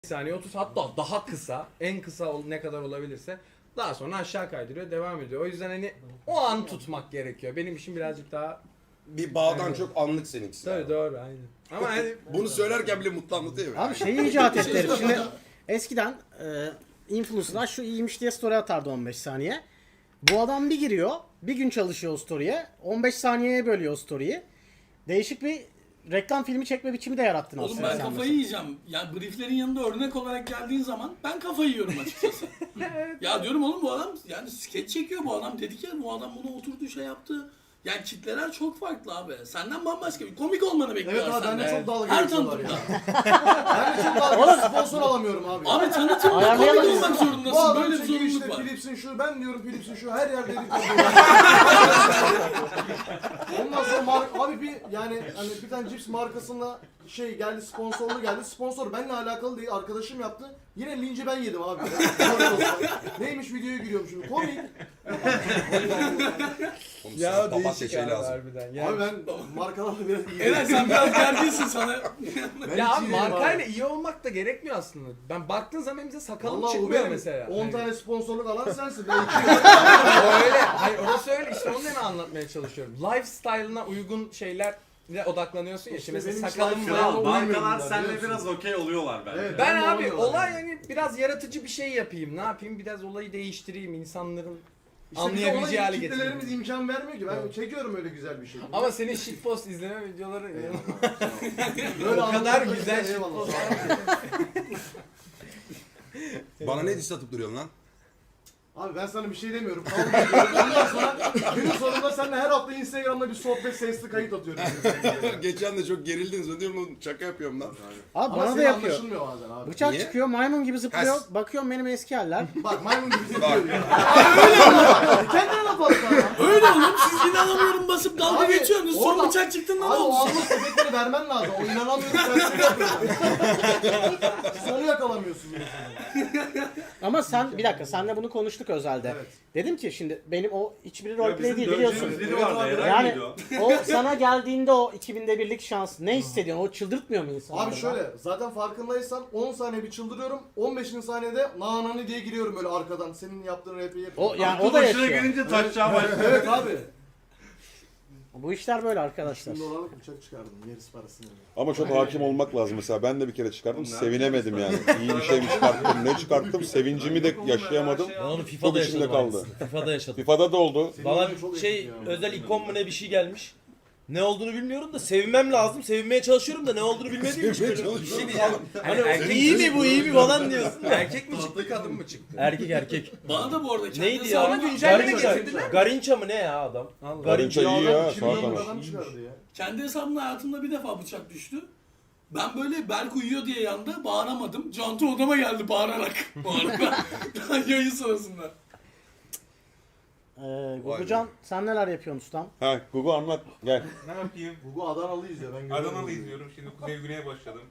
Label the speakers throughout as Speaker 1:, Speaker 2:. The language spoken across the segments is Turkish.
Speaker 1: saniye 30 hatta daha kısa, en kısa ne kadar olabilirse daha sonra aşağı kaydırıyor, devam ediyor. O yüzden hani o an tutmak gerekiyor. Benim işim birazcık daha
Speaker 2: Bir bağdan çok anlık seninkisi.
Speaker 1: tabii doğru aynen. Ama hani
Speaker 2: Bunu söylerken bile mutlu anlatıyor ya.
Speaker 3: Abi şeyi icat etti herif. Şimdi eskiden influencer'lar şu iyiymiş diye story atardı 15 saniye. Bu adam bir giriyor, bir gün çalışıyor o story'e, 15 saniyeye bölüyor o story'yi. Değişik bir reklam filmi çekme biçimi de yarattın
Speaker 4: Oğlum
Speaker 3: aslında
Speaker 4: ben
Speaker 3: sen
Speaker 4: kafayı
Speaker 3: mesela.
Speaker 4: yiyeceğim. Ya brieflerin yanında örnek olarak geldiğin zaman ben kafayı yiyorum açıkçası. Ya diyorum oğlum bu adam yani skeç çekiyor bu adam. Dedik ya bu adam bunu oturdu şey yaptı. Yani kitleler çok farklı abi. Senden bambaşka bir komik olmanı bekliyorlar
Speaker 5: Evet abi ben de
Speaker 4: senden.
Speaker 5: çok dalga
Speaker 4: Her
Speaker 5: geçiyorlar
Speaker 4: tanıtımda.
Speaker 5: Ben de çok dalga geçiyorum. Sponsor alamıyorum abi.
Speaker 4: Abi tanıtımda
Speaker 3: Ayarlayalım
Speaker 4: komik
Speaker 3: biz.
Speaker 4: olmak
Speaker 5: Bu
Speaker 4: zorundasın.
Speaker 5: adam
Speaker 4: Böyle bir
Speaker 5: çekiyor
Speaker 4: zorunluluk
Speaker 5: işte
Speaker 4: var.
Speaker 5: Philips'in şu, ben diyorum Philips'in şu, her yerde dedik. Ondan sonra abi bir yani hani bir tane cips markasına şey geldi, sponsorlu geldi. Sponsor benimle alakalı değil, arkadaşım yaptı. Yine linci ben yedim abi. Neymiş videoya giriyorum şimdi. Komik.
Speaker 1: ya
Speaker 2: papatya
Speaker 1: değişik
Speaker 2: şey
Speaker 1: abi
Speaker 2: lazım.
Speaker 1: harbiden. Yani,
Speaker 5: Abi ben markalarla biraz iyiyim.
Speaker 4: Evet sen biraz gerginsin sana.
Speaker 5: Ben
Speaker 1: ya
Speaker 5: hiç
Speaker 1: abi
Speaker 5: iyi değilim
Speaker 1: markayla iyi olmak da gerekmiyor aslında. Ben baktığın zaman bize sakalım
Speaker 5: Vallahi o
Speaker 1: çıkmıyor
Speaker 5: benim
Speaker 1: mesela.
Speaker 5: 10
Speaker 1: Hani-
Speaker 5: tane sponsorluk alan sensin. Ben 2
Speaker 1: öyle. Hayır orası öyle işte onu da anlatmaya çalışıyorum. Lifestyle'ına uygun şeylerle odaklanıyorsun ya.
Speaker 5: İşte
Speaker 1: Şimdi mesela
Speaker 5: benim
Speaker 1: sakalım
Speaker 5: lifestyle'ıma
Speaker 1: var.
Speaker 5: uymuyorum
Speaker 6: Markalar
Speaker 5: ben,
Speaker 6: seninle
Speaker 5: biliyorsun.
Speaker 6: biraz okey oluyorlar bence.
Speaker 5: Evet.
Speaker 1: Ben
Speaker 5: Ben
Speaker 1: abi
Speaker 5: de
Speaker 1: olay yani biraz yaratıcı bir şey yapayım. Ne yapayım? Biraz olayı değiştireyim. İnsanların anlayabileceği hale getireyim.
Speaker 5: Kitlelerimiz imkan vermiyor ki. Ben çekiyorum öyle güzel bir şey.
Speaker 1: Ama senin shitpost izleme videoları
Speaker 5: Böyle
Speaker 1: o kadar
Speaker 5: anlatmak
Speaker 1: güzel
Speaker 5: için eyvallah.
Speaker 1: shitpost.
Speaker 2: Bana ne diss atıp duruyorsun lan?
Speaker 5: Abi ben sana bir şey demiyorum. Kavga ediyorum. Ondan sonra günün sonunda seninle her hafta Instagram'da bir sohbet sesli kayıt atıyorum.
Speaker 2: Geçen de çok gerildiniz. Ben diyorum oğlum şaka yapıyorum lan.
Speaker 3: Abi
Speaker 5: Ama
Speaker 3: bana da
Speaker 5: seni
Speaker 3: yapıyor.
Speaker 5: anlaşılmıyor bazen abi.
Speaker 3: Bıçak
Speaker 2: Niye?
Speaker 3: çıkıyor, maymun gibi zıplıyor.
Speaker 2: Has.
Speaker 3: Bakıyorum benim eski haller.
Speaker 5: Bak maymun gibi
Speaker 2: Bak.
Speaker 5: zıplıyor ya. Öyle mi? Kendine laf at lan.
Speaker 4: Öyle oğlum siz inanamıyorum basıp dalga
Speaker 5: Abi,
Speaker 4: geçiyorsunuz. Son
Speaker 5: orada-
Speaker 4: bıçak çıktığında ne
Speaker 5: Abi o
Speaker 4: oldu?
Speaker 5: anlık efektleri vermen lazım. O inanamıyorum ben seni yapıyorum. Siz onu yakalamıyorsunuz mesela.
Speaker 3: Ama sen bir dakika senle bunu konuştuk özelde.
Speaker 5: Evet.
Speaker 3: Dedim ki şimdi benim o hiçbiri
Speaker 6: Ya
Speaker 3: roleplay
Speaker 6: bizim
Speaker 3: değil biliyorsun.
Speaker 6: döveceğimiz biri vardı.
Speaker 5: Evet abi.
Speaker 6: Eray
Speaker 3: Yani
Speaker 6: mıydı o?
Speaker 3: o sana geldiğinde o 2000'de birlik şans ne hissediyorsun? O çıldırtmıyor mu insanları?
Speaker 5: Abi şöyle zaten farkındaysan 10 saniye bir çıldırıyorum. 15. saniyede nanani diye giriyorum böyle arkadan. Senin yaptığın rapi yapıyorum.
Speaker 3: O yani
Speaker 6: Aklı
Speaker 3: o da
Speaker 6: başına
Speaker 3: yaşıyor.
Speaker 6: gelince taşacağı başlıyor.
Speaker 5: Evet abi.
Speaker 3: Bu işler böyle arkadaşlar.
Speaker 5: Şimdi dolarlık bıçak çıkardım. Yarısı parasını.
Speaker 7: Ama çok hakim olmak lazım mesela. Ben de bir kere çıkardım,
Speaker 6: Onlar
Speaker 7: sevinemedim yani. İyi bir şey mi çıkarttım, ne çıkarttım, sevincimi de yaşayamadım.
Speaker 8: Ben onu
Speaker 7: Çok
Speaker 8: FIFA'da
Speaker 7: içimde
Speaker 8: yaşadım
Speaker 7: kaldı.
Speaker 8: aynısını. FIFA'da yaşadım.
Speaker 7: FIFA'da da oldu.
Speaker 5: Senin
Speaker 8: Bana
Speaker 5: olayın çok
Speaker 8: şey
Speaker 5: eski ya.
Speaker 8: özel ikon mu ne bir şey gelmiş. Ne olduğunu bilmiyorum da sevinmem lazım. Sevinmeye çalışıyorum da ne olduğunu bilmediğim için. böyle bir şey diyeceğim. Hani
Speaker 1: erkek
Speaker 8: iyi mi bu iyi mi falan diyorsun.
Speaker 1: Erkek mi çıktı kadın mı çıktı?
Speaker 8: Erkek.
Speaker 4: Bana da bu arada kendi
Speaker 8: Neydi
Speaker 4: hesabıma
Speaker 8: ya?
Speaker 1: güncelleme
Speaker 8: Garinça.
Speaker 1: getirdiler mi?
Speaker 8: Garinça mı ne ya adam?
Speaker 7: Garinça iyi ya, sağ
Speaker 5: Şimdi
Speaker 7: kanat.
Speaker 5: adam çıkardı ya.
Speaker 4: Kendi hesabımda hayatımda bir defa bıçak düştü. Ben böyle Berk uyuyor diye yanda bağıramadım. Cantu odama geldi bağırarak. Bu arada yayın sırasında.
Speaker 3: Gugucan sen neler yapıyorsun ustam?
Speaker 7: Ha, Gugu anlat, gel.
Speaker 6: Ne yapayım?
Speaker 5: Gugu Adanalıyız ya ben görüyorum.
Speaker 6: Adanalı izliyorum. Şimdi Kuzey Güney'e başladım.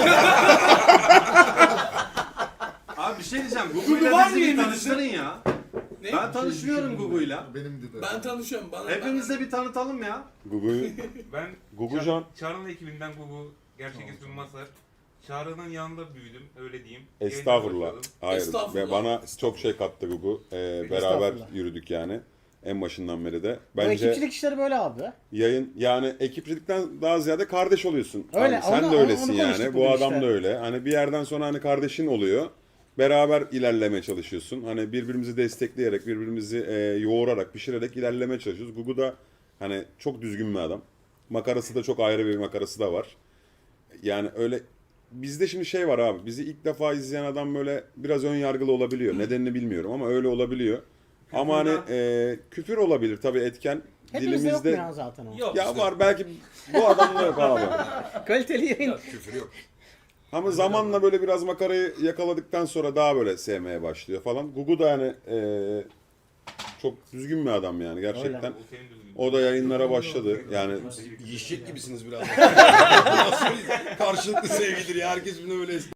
Speaker 6: Abi bir şey diyeceğim.
Speaker 4: Gugu
Speaker 6: Gugu'yla
Speaker 4: var
Speaker 6: bizi
Speaker 4: mı
Speaker 6: bir
Speaker 4: elinizde?
Speaker 6: tanıştırın ya.
Speaker 4: Ne?
Speaker 6: Ben tanışmıyorum Gugu'yla.
Speaker 5: Benim de.
Speaker 4: Ben tanışıyorum. Bana
Speaker 6: Hepimiz de bir tanıtalım ya.
Speaker 7: Gugu'yu,
Speaker 9: Ben
Speaker 7: Gugucan,
Speaker 9: Çağrı'nın ekibinden Gugu, gerçek ismim Masar. Çağrı'nın yanında büyüdüm, öyle diyeyim.
Speaker 7: estağfurullah.
Speaker 9: Yayına başladım.
Speaker 7: Hayır,
Speaker 4: Estağfurullah.
Speaker 7: ve bana çok şey kattı Gugu. Beraber
Speaker 3: Estağfurullah.
Speaker 7: yürüdük yani. En başından beri de.
Speaker 3: Bu
Speaker 7: Bence
Speaker 3: ekipçilik işleri böyle abi.
Speaker 7: yayın yani ekipçilikten daha ziyade kardeş oluyorsun.
Speaker 3: Öyle,
Speaker 7: Abi, sen
Speaker 3: onu-
Speaker 7: de öylesin
Speaker 3: onu
Speaker 7: yani.
Speaker 3: konuştuk
Speaker 7: Bu
Speaker 3: bugün
Speaker 7: adam
Speaker 3: işte.
Speaker 7: da öyle. Hani bir yerden sonra hani kardeşin oluyor. Beraber ilerlemeye çalışıyorsun. Hani birbirimizi destekleyerek, birbirimizi yoğurarak, pişirerek ilerlemeye çalışıyoruz. Gugu da hani çok düzgün bir adam. Makarası da çok ayrı bir makarası da var. Yani öyle bizde şimdi şey var abi. Bizi ilk defa izleyen adam böyle biraz ön yargılı olabiliyor. Nedenini bilmiyorum ama öyle olabiliyor. Ama hani küfür olabilir tabii etken.
Speaker 3: Hepimizde yok mu
Speaker 7: Dilimizde
Speaker 3: ya zaten o?
Speaker 8: Yok.
Speaker 7: ya var belki bu adamda yok abi.
Speaker 3: Kaliteli yayın.
Speaker 2: Küfür yok.
Speaker 7: Ama zamanla böyle biraz makarayı yakaladıktan sonra daha böyle sevmeye başlıyor falan. Gugu da yani çok düzgün bir adam yani gerçekten.
Speaker 9: O senin düzgün.
Speaker 7: O da yayınlara başladı. Yani
Speaker 2: Yiyecek gibisiniz biraz. Nasıl karşılıklı sevgidir ya. Herkes birbirine böyle